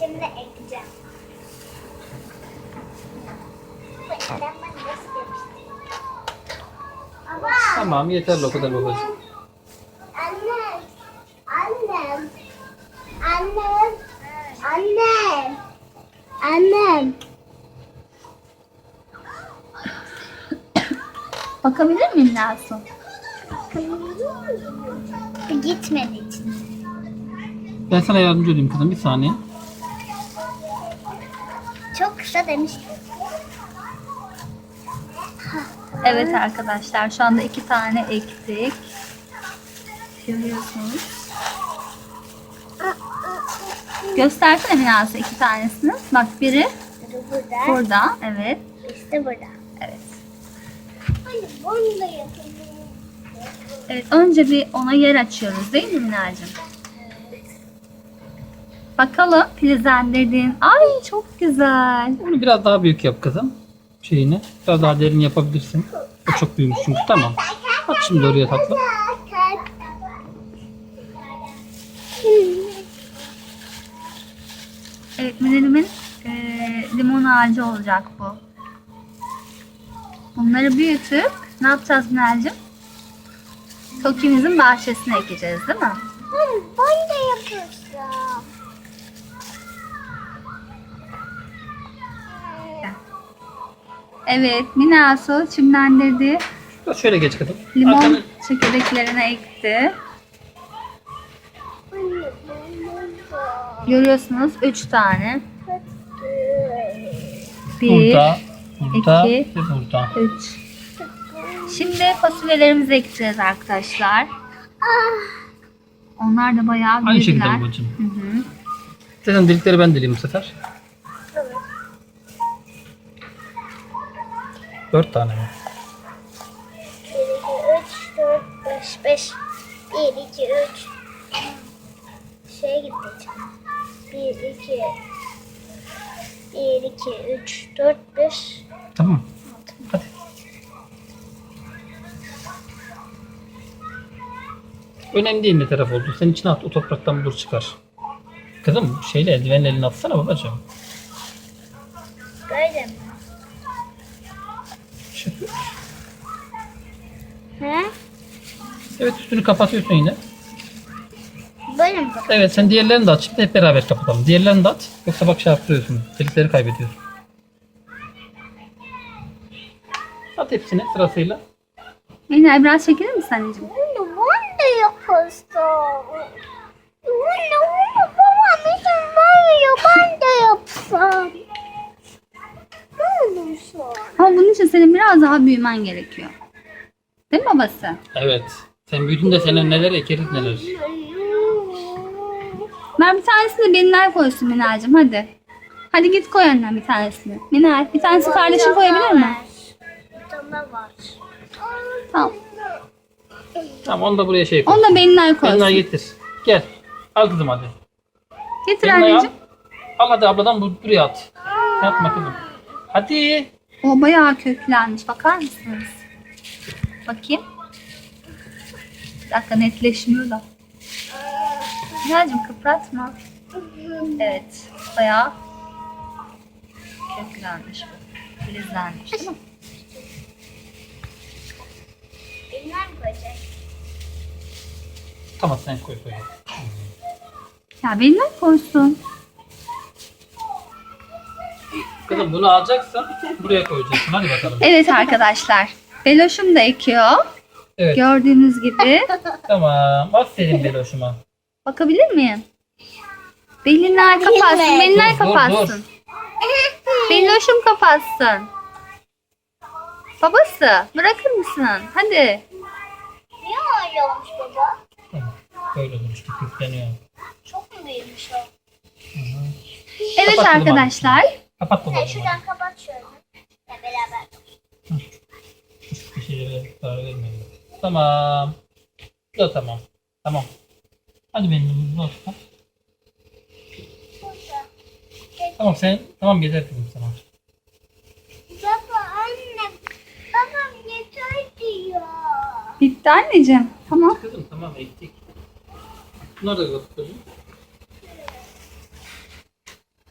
Şimdi ekeceğim. Ben nasıl yapıştırayım? Ama Tamam yeterli o kadar babacığım. annem, annem, annem, annem, annem. Bakabilir miyim Nasu? Gitmedi için. Ben sana yardımcı olayım kızım bir saniye. Çok kısa demiştim. Evet arkadaşlar şu anda 2 tane ektik. Görüyorsunuz. Göstersene bir Nasu 2 tanesini. Bak biri Burada. burada. Evet. İşte burada. Evet. Hadi bunu da yapalım. Evet, önce bir ona yer açıyoruz değil mi Minacığım? Bakalım filizlendirdin. Ay çok güzel. Onu biraz daha büyük yap kızım. Şeyini. Biraz daha derin yapabilirsin. O çok büyümüş çünkü. Tamam. Bak şimdi oraya tatlı. Evet Minel'imin limon ağacı olacak bu. Bunları büyütüp ne yapacağız Minel'cim? Toki'mizin bahçesine ekeceğiz değil mi? Ben de yapacağım. Evet Minasu çimlendirdi. Biraz şöyle geç kızım. Limon Arkanı- çekirdeklerine ekti. Görüyorsunuz 3 tane. 1, Burada. Burada. iki. Ve burada. 3. Şimdi fasulyelerimizi ekeceğiz arkadaşlar. Onlar da bayağı Aynı şekilde büyüdüler. babacığım. Hı hı. Zaten delikleri ben deleyim bu sefer. 4 tane mi? 1, 2, 3, 4, 5, 5. 1, 2, 3. Şeye gideceğim. 1, 2, 1, 2, 3, 4, 5. Tamam. Hadi. Önemli değil ne taraf oldu. Sen içine at. O topraktan bulur çıkar. Kızım şeyle eldivenle elini atsana babacığım. Böyle mi? Şey- He? Evet üstünü kapatıyorsun yine. Böyle mi? Evet sen diğerlerini de at. Şimdi hep beraber kapatalım. Diğerlerini de at. Yoksa bak şey yaptırıyorsun. Delikleri kaybediyorsun. At hepsini sırasıyla. Minel biraz çekilir misin anneciğim? Bunu ben de yapasam. Bunu babam izin vermiyor. Ben de yapsam. Ne olursa. Ama bunun için senin biraz daha büyümen gerekiyor. Değil mi babası? Evet. Sen büyüdün de senin neler ekeriz neler. Ver bir tanesini de Minel koysun Minel'cim hadi. Hadi git koy annem bir tanesini. Minel bir tanesi kardeşin koyabilir mi? Bir tane var. Tamam. Tamam onu da buraya şey koy. Onu da Minel Benimle koysun. getir. Gel. Al kızım hadi. Getir Benimle al. anneciğim. Al hadi abladan buraya at. Yapma kızım. Hadi. O bayağı köklenmiş. Bakar mısınız? Bakayım. Bir dakika netleşmiyor da. Minel'cim kıpratma. Evet. Bayağı köklenmiş bu. Filizlenmiş değil mi? Bilmem koyacak. Tamam sen koy koy. Ya Minel koysun. Kızım bunu alacaksın. Buraya koyacaksın. Hadi bakalım. Evet arkadaşlar. Beloş'um da ekiyor. Evet. Gördüğünüz gibi. Tamam. Aferin Beloş'uma. Bakabilir miyim? Belinler kapatsın. Belinler Dur, dur, kapatsın. Beloş'um kapatsın. Babası bırakır mısın? Hadi. Niye öyle olmuş baba? Tamam. Böyle olur işte. Kütleniyor. Çok mu büyümüş o? Evet Kapat bunu arkadaşlar. Kapat Sen babacığım. şuradan kapat şöyle. Ya beraber. Bir şeylere zarar vermeyelim. Tamam. Bu da tamam. Tamam. Hadi benim dostum. Tamam sen. Tamam yeter kızım sana. Baba annem. Babam yeter diyor. Bitti anneciğim. Tamam. Kızım tamam ektik. Bunları da kapat kızım.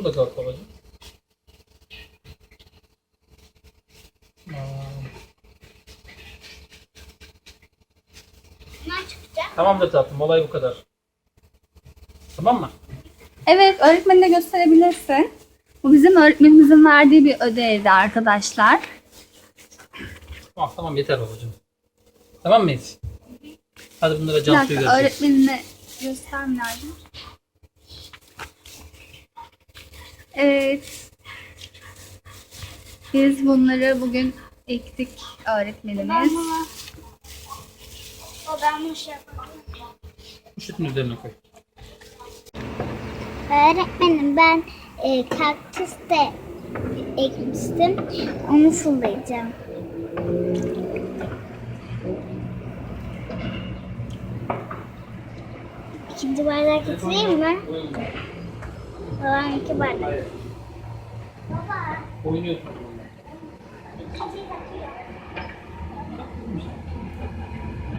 da kalk babacığım. Ne çıkacak? Tamamdır tatlım. Olay bu kadar. Tamam mı? Evet, öğretmenine gösterebilirsin. Bu bizim öğretmenimizin verdiği bir ödevdi arkadaşlar. Tamam tamam yeter babacığım. Tamam mıyız? Hadi bunlara Bir Cansu'yu dakika, göreceğiz. öğretmenine göstermem lazım. Evet. Biz bunları bugün ektik öğretmenimiz. Ben bunu şey yapamam. Poşetin üzerine koy. Öğretmenim ben kaktüs de ekmiştim. Onu sulayacağım. İkinci bardak getireyim mi? Babam iki bardak. Baba. Oynuyorsun.